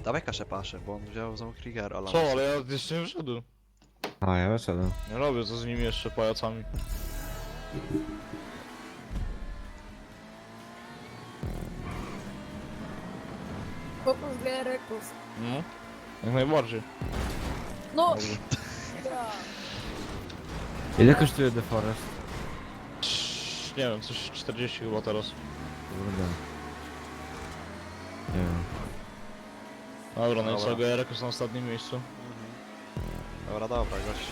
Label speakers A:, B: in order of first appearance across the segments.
A: Dawaj kaszę paszę, bo on wziął znowu Krieger, ale...
B: Co, ale ja jeszcze nie wyszedłem.
C: A, ja wyszedłem.
B: Nie robię co z nimi jeszcze pajacami.
D: Fokus GR-ków.
B: No, jak najbardziej.
D: No!
B: Dobrze.
D: Ja.
C: Ile kosztuje The Forest?
B: Nie wiem, coś 40 chyba teraz.
C: Kurde. Nie wiem.
B: Dobra, no i co,
A: Dobra.
B: GR jest na ostatnim miejscu.
A: Dobra, dobra, gościu.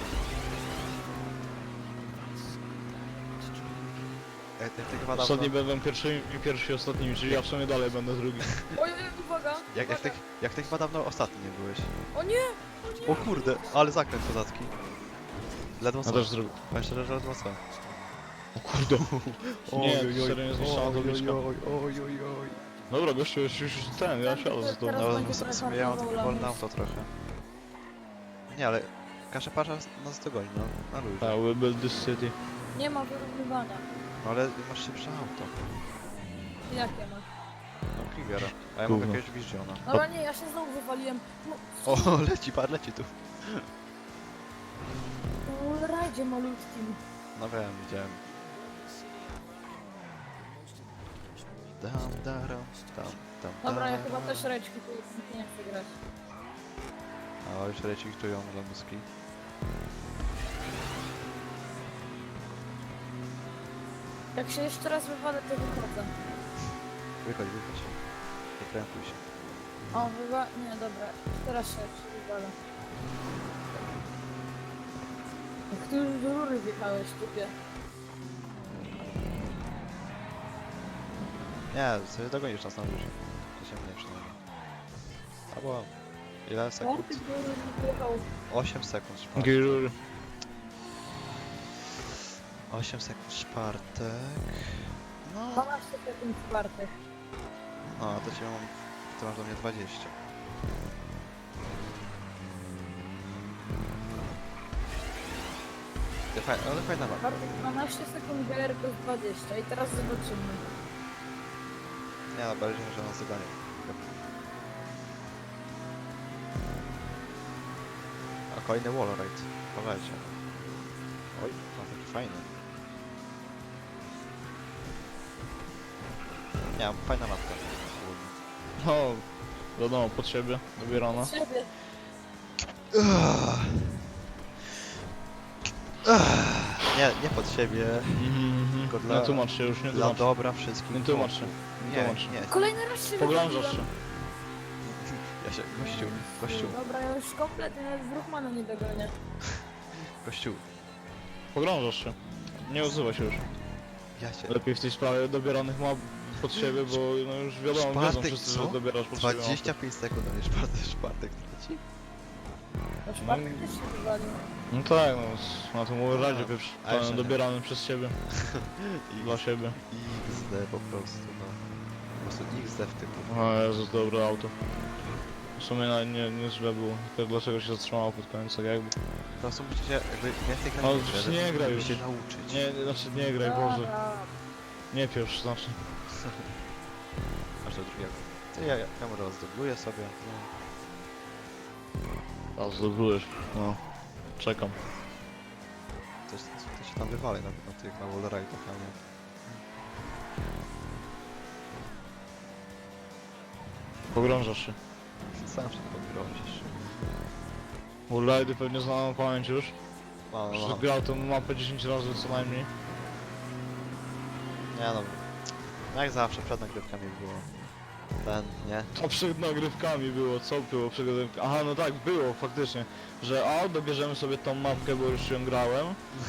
A: Ty chyba dawno...
B: Ostatni będą pierwszymi i pierwsi ostatnimi, czyli ja w sumie dalej będę drugi.
D: Oj, uwaga!
A: Jak ty chyba dawno ostatni nie byłeś.
D: O nie!
A: O kurde, ale zakręt kozacki. Ledwo
B: Ja
A: co.
B: też zrobię.
A: Powiem szczerze, że ledwo co.
B: O kurde. Nie, serio nie zniszczona tabliczka.
A: oj.
B: Dobra, gościu, już ten, ja siadę za to.
D: Teraz
A: No,
D: będzie
A: w sumie ja mam takie
D: traktował
A: wolne
D: lamus.
A: auto trochę. Nie, ale Kasze Pasza nas dogoni, no, na luzie.
B: Tak, we build this city.
D: Nie ma wyrównywania.
A: No ale masz szybsze auto.
D: Jakie ma?
A: No Kriegera. A ja
B: Gówno.
A: mogę jakiegoś Visiona.
D: Dobra, nie, ja się znowu wywaliłem. No,
A: O, leci tu.
D: no rajdzie malutkim.
A: No wiem, widziałem. Tam.
D: Dobra, ja chyba też reczki tu nie chcę grać.
A: A już leci ktują lamuski.
D: Jak się jeszcze raz wywalę, to wychodzę.
A: Wychodź. Nie krępuj się.
D: O, nie, dobra. Teraz się wywalę. Jak ty już do rury wjechałeś, typie.
A: Nie, sobie dogonisz nas na luzie. To się mnie przynajmniej. Albo... Ile
D: Jak
A: sekund?
D: ty do rury wjechał?
A: 8 sekund czwartek.
B: Girury.
A: 8 sekund czwartek. No,
D: 12 sekund czwartych.
A: no to cię mam... Ty masz do mnie 20. Ale fajna mapa.
D: Bartek 12 sekund GR to jest 20 i teraz zobaczymy.
A: Nie no, bardziej, że nas dogonią. A kolejny wallride. Powiedzcie. Oj, no taki fajny. Nie, fajna mapka. ogólnie.
B: No, wiadomo, pod siebie, dobierana.
D: Siebie.
A: Nie pod siebie. Tylko dla-
B: Nie tłumacz się już, nie
A: Dla
B: tłumacz.
A: dobra wszystkich.
B: Nie tłumacz się.
A: Nie,
B: tłumacz się.
A: nie.
D: Kolejny raz się
B: Pogrążasz
D: wywaliłem.
B: się.
A: Ja się... Gościu.
D: Dobra, ja już kompletnie nawet w Ruchmana nie dogonię.
A: Gościu.
B: Pogrążasz się. Nie odzywaj się już.
A: Ja się...
B: Lepiej w tej sprawie dobieranych map pod siebie, bo no już wiadomo, wiedzą
A: Szpartek,
B: wszyscy,
A: co?
B: że dobierasz pod siebie.
A: 25 sekund, a nie czwartek traci?
D: No Szpartek też się wywalił.
B: No tak, no na tym razie
A: No,
B: pieprz,
A: a jeszcze nie.
B: dobierany przez siebie, dla siebie.
A: XD po prostu, no. Po prostu XD w typu.
B: O Jezus, dobre auto. W sumie nawet nie źle było, tylko dlaczego się zatrzymało pod koniec, tak jakby.
A: Po prostu musicie jakby więcej grać.
B: No,
A: w grę,
B: już
A: żeby
B: nie graj już.
A: się nauczyć.
B: Nie, znaczy nie graj, Boże. Nie pieprz, znaczy.
A: Aż do drugiego. Ty, ja mu rozdobluję sobie. No.
B: A zdobyłeś, no. Czekam.
A: To się tam wywali na tych, na wallride'ach, a nie.
B: Pogrążasz się.
A: Sam się pogrążysz.
B: Wallride'y pewnie znaną pamięć już.
A: No.
B: Przecież grał tę mapę 10 razy co najmniej.
A: Nie no. Jak zawsze przed nagrywkami było. Ten, nie?
B: To przed nagrywkami było, co było przed nagrywkami? Aha, no tak, było faktycznie. Że dobierzemy sobie tą mapkę, bo już ją grałem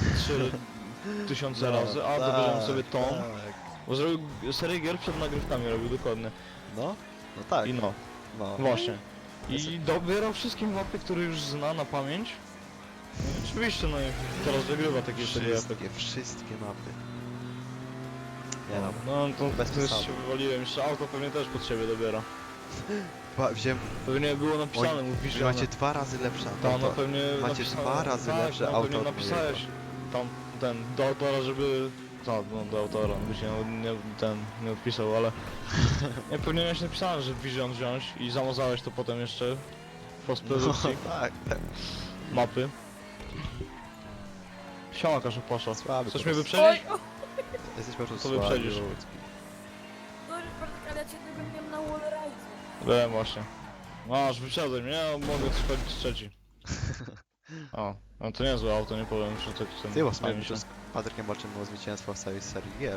B: 3000 razy, dobierzemy sobie tą.
A: Tak.
B: Bo zrobił serię gier przed nagrywkami robił dokładnie.
A: No? No tak.
B: I no,
A: No.
B: właśnie. I dobierał wszystkie mapy, które już zna na pamięć. No, oczywiście, no i teraz wygrywa takie serie.
A: Wszystkie mapy. Nie no.
B: No to
A: Bez
B: też
A: przesady.
B: się wywaliłem, jeszcze auto pewnie też pod siebie dobiera.
A: Wziąłem...
B: Pewnie było napisane,
A: Oj,
B: mówisz,
A: Wy macie 2 razy lepsze
B: tam
A: auto.
B: no pewnie
A: Macie
B: napisane,
A: 2 razy
B: tak,
A: lepsze
B: no,
A: auto
B: pewnie
A: od
B: napisałeś tam ten do autora, żeby no do autora, by się nie odpisał, ale... Nie, powinieneś napisałem, że Vision wziąć i zamazałeś to potem jeszcze w postprodukcji
A: tak, tak.
B: mapy. Siema Kaszu Pasza.
A: Słaby
B: Chcesz
A: po
B: mnie
A: prostu.
B: wyprzedzić?
A: Jesteś po prostu
B: To wyprzedzisz.
A: słaby.
D: Sorry, Bartek, ale ja cię tego miałem na wallride'u.
B: Wiem właśnie. Masz, wyprzedzaj mnie, ja mogę schodzić trzeci. O, no to niezłe auto, nie powiem, że tak ten...
A: Ty, bo w sumie
B: fajnie się.
A: z Patrykiem walczymy o zwycięstwo w całej serii gier.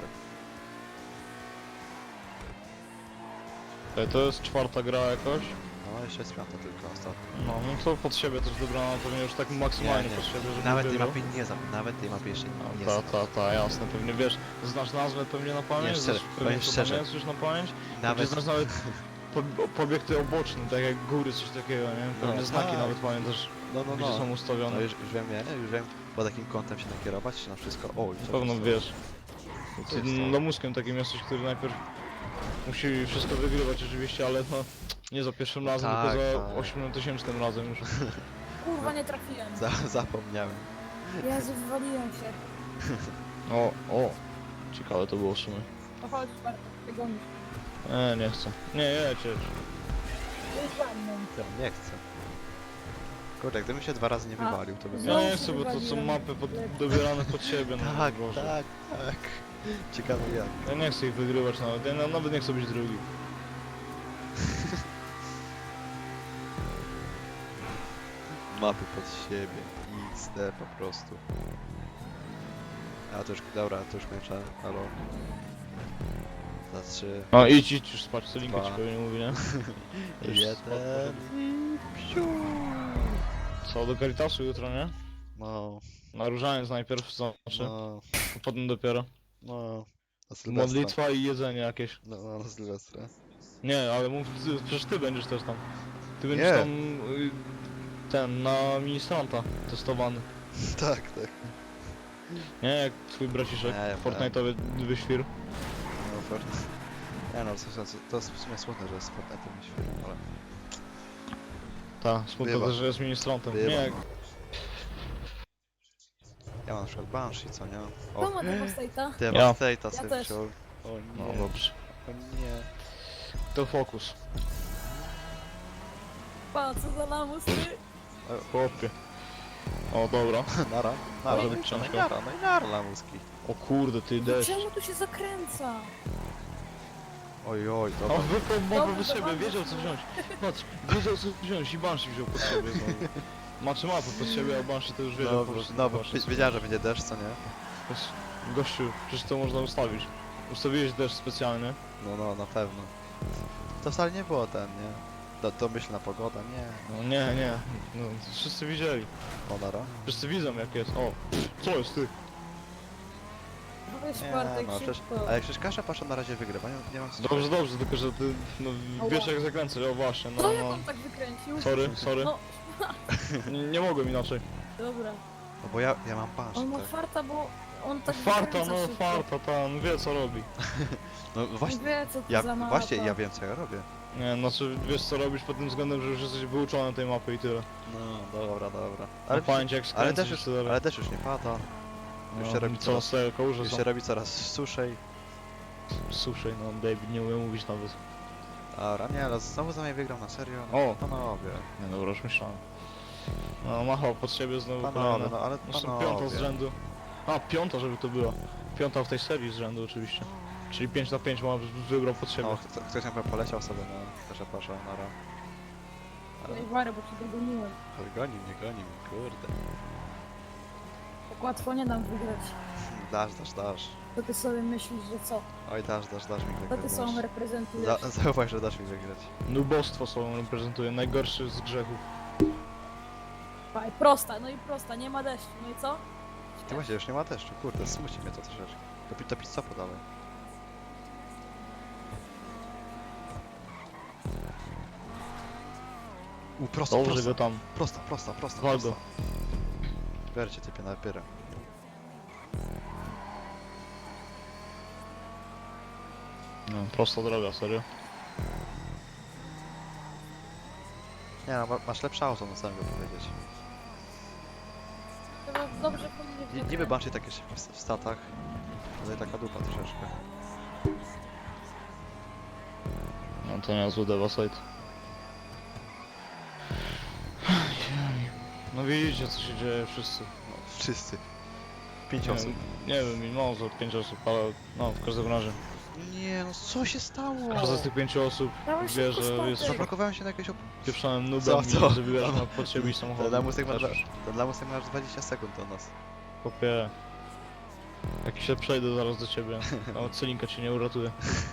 B: To jest czwarta gra jakoś.
A: No, jeszcze jest piąta tylko ostatnio.
B: No to pod siebie też dobrana, pewnie już tak maksymalnie
A: Nie,
B: pod siebie, żeby
A: Nawet tej
B: wygrał.
A: mapy nie znam, nawet tej mapy jeszcze nie
B: Ta,
A: znam.
B: ta, jasne, pewnie wiesz, znasz nazwę pewnie na pamięć,
A: Nie, szczerze,
B: znasz pewnie
A: powiem
B: co
A: szczerze.
B: pamiętasz już na pamięć,
A: Nawet,
B: znasz nawet pobiekty oboczne, tak jak góry, coś takiego, nie? Pewnie
A: No,
B: znaki
A: tak.
B: nawet pamiętasz,
A: no,
B: gdzie są
A: no
B: ustawione.
A: już wiem, nie? Już wiem, pod jakim kątem się nakierować, czy na wszystko. O,
B: Na pewno wiesz.
A: Co jest to?
B: No mózgiem takim jesteś, który najpierw musi wszystko wygrywać oczywiście, ale no nie za pierwszym razem,
A: tak,
B: tylko za
A: tak.
B: 8000 razem już.
D: Kurwa, nie trafiłem.
A: Zapomniałem.
D: Jezu, wywaliłem się.
B: O, ciekawe to było w sumie.
D: No chodź, Bartek, ty gonisz.
B: Nie chcę. Nie, jedź.
D: Jedź za mną.
A: Ja nie chcę. Kurde, gdybym się 2 razy nie
D: A,
A: wywalił, to bym...
D: znowu
B: Ja nie
D: się
B: chcę, bo to są
D: wywaliłem.
B: mapy dobierane pod siebie, no
A: Tak,
B: Boże.
A: tak, tak. Ciekawe jak.
B: Ja nie chcę ich wygrywać nawet, ja nawet nie chcę być drugi.
A: Mapy pod siebie. XD po prostu. A to już, dobra, to już kończę. Halo. Za 3,
B: No idź już spać, co linkę ci
A: Dwa.
B: pewnie mówi, nie? Już
A: 1
B: spać
A: i psiu.
B: Co, do Caritasu jutro, nie?
A: No,
B: Na różaniec najpierw, znaczy,
A: no,
B: a potem dopiero.
A: no. Na Sylwestra.
B: Modlitwa i jedzenie jakieś.
A: No, na Sylwestra.
B: Nie, ale mów, przecież ty będziesz też tam. Ty będziesz
A: Nie.
B: tam, ten, na ministranta testowany.
A: Tak, tak.
B: Nie, jak twój braciszek,
A: Nie, ja
B: Fortnite'owy wyświr.
A: No, Fortnite. Nie no, to jest w sumie smutne, że jest Fortnite myślę, ale...
B: Tak, smutno
A: Bywa.
B: też, że jest ministrantem.
A: Bywa.
B: Nie, jak...
A: Ja mam na przykład Banshee, co nie?
D: Kto ma Devastate'a?
A: Devastate'a sobie
D: też.
A: wziął. O
B: No
A: nie,
B: dobrze.
A: o nie.
B: To fokus.
D: Pa, co za lamus, ty?
B: Chłopie. O, dobra.
A: Nara,
B: Może
A: nara,
B: być
A: no i
B: ciężko.
A: nara, no i nara lamuski.
B: O kurde, ty deszcz.
D: Czemu tu się zakręca?
A: Oj, oj,
B: O,
A: dobra.
B: wypał mowę
D: Dobra,
B: bez siebie,
D: dobra.
B: wiedział co wziąć. Patrz, wiedział co wziąć i Banshee wziął pod siebie znowu. Macie mapę pod siebie, a Banshee to już wiedział
A: No,
B: po prostu.
A: no bo
B: Banshee.
A: wiedziałem, że będzie deszcz, co nie?
B: Gościu, przecież to można ustawić. Ustawiłeś deszcz specjalnie.
A: No, na pewno. To wcale nie było ten, nie? Domyślna pogoda, nie.
B: No nie, no, wszyscy widzieli.
A: O, nara.
B: Wszyscy widzą jak jest. O, co jest ty?
D: Weź,
A: Nie,
D: Bartek,
A: no przecież...
D: szybko.
A: Ale przecież Kasza Pasza na razie wygrywa, nie mam co
B: Dobrze, dobrze, tylko że ty, no, wiesz jak zakręcać, o właśnie, no,
D: Co jak
B: no.
D: on tak wykręcił?
B: Sorry.
D: No,
B: Nie mogłem inaczej.
D: dobra.
A: No bo ja mam Banshee,
D: On ma
A: tak.
D: farta, bo on tak
B: Farta,
D: wykręca
B: no
D: szybko.
B: farta, pan wie co robi.
A: No
D: On
A: właśnie,
D: wie, co to
A: ja,
D: za mapa.
A: właśnie, ja wiem co ja robię.
B: Nie, znaczy wiesz co robisz pod tym względem, że już jesteś wyuczony tej mapy i tyle.
A: No, dobra.
B: Ale pamięć jak
A: ale
B: skręcisz
A: też już,
B: i tyle.
A: ale też już nie pada. Już się
B: No,
A: robi
B: co
A: coraz,
B: z tego kałuże
A: już
B: są
A: się robi coraz suszej.
B: suszej, no David nie umie mówić nawet.
A: Dobra, nie, ale znowu za mnie wygrał na serio.
B: O!
A: Panowie,
B: Nie dobra, już myślałem. No machał pod siebie znowu
A: panowie,
B: kolejne.
A: no ale
B: Jeszcze piąta z
A: panowie.
B: rzędu. A, piąta żeby to była. Piąta w tej serii z rzędu oczywiście. Czyli 5 na 5 ma wygrał pod siebie.
A: O, ktoś tam poleciał sobie na Kasza Pasza, nara. Ale
D: Ej, Wary, bo cię dogoniłem.
A: goni mnie, kurde.
D: Tak łatwo nie dam wygrać.
A: Dasz.
D: To ty sobie myślisz, że co?
A: Oj, dasz mi
D: To
A: wygrać.
D: ty sobą reprezentujesz.
A: Zauważ, że dasz mi wygrać.
B: Nubostwo sobą reprezentuje, najgorszy z grzechów.
D: Faj, prosta, no i prosta, nie ma deszczu, no i co?
A: Ty właśnie już nie ma deszczu, kurde, smuci mnie to troszeczkę. To pizza podałeś. Prosto,
B: Dobrze go tam.
A: prosto.
B: Waldo.
A: Biercie typie na pyrę.
B: No, prosta droga, serio.
A: Nie no, masz lepsze auto, no co mogę powiedzieć.
D: To dobrze powinien
A: Niby Banshee takie szybkie w statach. Tutaj taka dupa troszeczkę.
B: No to niezły Devastate. No widzicie co się dzieje wszyscy.
A: No, wszyscy. 5
B: Nie
A: osób.
B: wiem, nie wiem, mimo za 5 osób, ale no w każdym razie.
A: Nie no, co się stało?
B: Każda z tych 5 osób
D: Dawaj
B: wie,
D: szybko
B: że
D: statek.
B: jest
A: Zablokowałem się na jakieś
B: pieprzonym
A: Co,
B: nubem
A: co?
B: i zabierasz pod siebie i
A: Ten
B: samochodem.
A: lamusek ma,
B: Też.
A: ten lamusek ma aż 20 sekund do nas.
B: Kopie. Jak się przejdę zaraz do ciebie, nawet Celinka cię nie uratuje.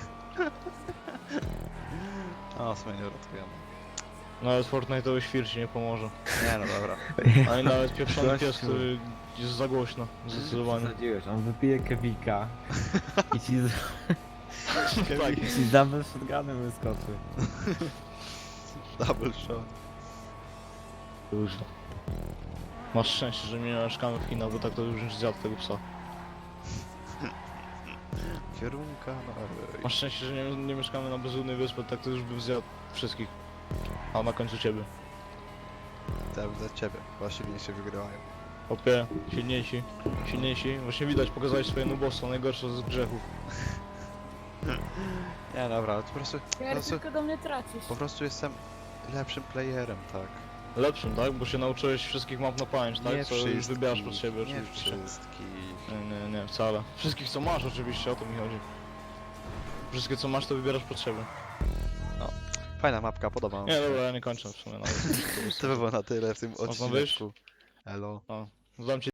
A: O, sobie nie uratujemy.
B: Nawet Fortnite'owy świr ci nie pomoże.
A: Nie no, dobra.
B: A i nawet pieprzony
C: Gościu.
B: pies, który jest za głośno, zdecydowanie.
C: Zasadziłeś, on wypije kewika i ci,
B: Tak.
C: i ci double shotgunem wyskoczy.
A: Double shot.
B: Dużo. Masz szczęście, że nie mieszkamy w Chinach, bo tak to już zjadł tego psa.
A: Kierunka na
B: Masz szczęście, że nie mieszkamy na bezludnej wyspie, tak to już bym zjadł wszystkich. A na końcu ciebie.
A: Teraz za ciebie, bo silniejsi wygrywają.
B: Opie, silniejsi, silniejsi. Właśnie widać, pokazałeś swoje nubostwo, najgorsze z grzechów.
A: Nie dobra, po prostu,
D: Kier, tylko do mnie tracisz.
A: po prostu jestem lepszym playerem, tak?
B: Lepszym, tak? Bo się nauczyłeś wszystkich map na pamięć, tak?
A: Nie
B: Co już
A: wszystkich,
B: wybierasz pod siebie
A: nie
B: oczywiście.
A: wszystkich.
B: Nie, wcale. Wszystkich co masz oczywiście, o to mi chodzi. Wszystkie co masz to wybierasz pod siebie.
A: Fajna mapka, podoba mi
B: Nie,
A: się.
B: dobra, ja nie kończę w sumie nawet.
A: To by było na tyle w tym
B: Można wyjść?
A: odcinku. Elo.
B: Dam ci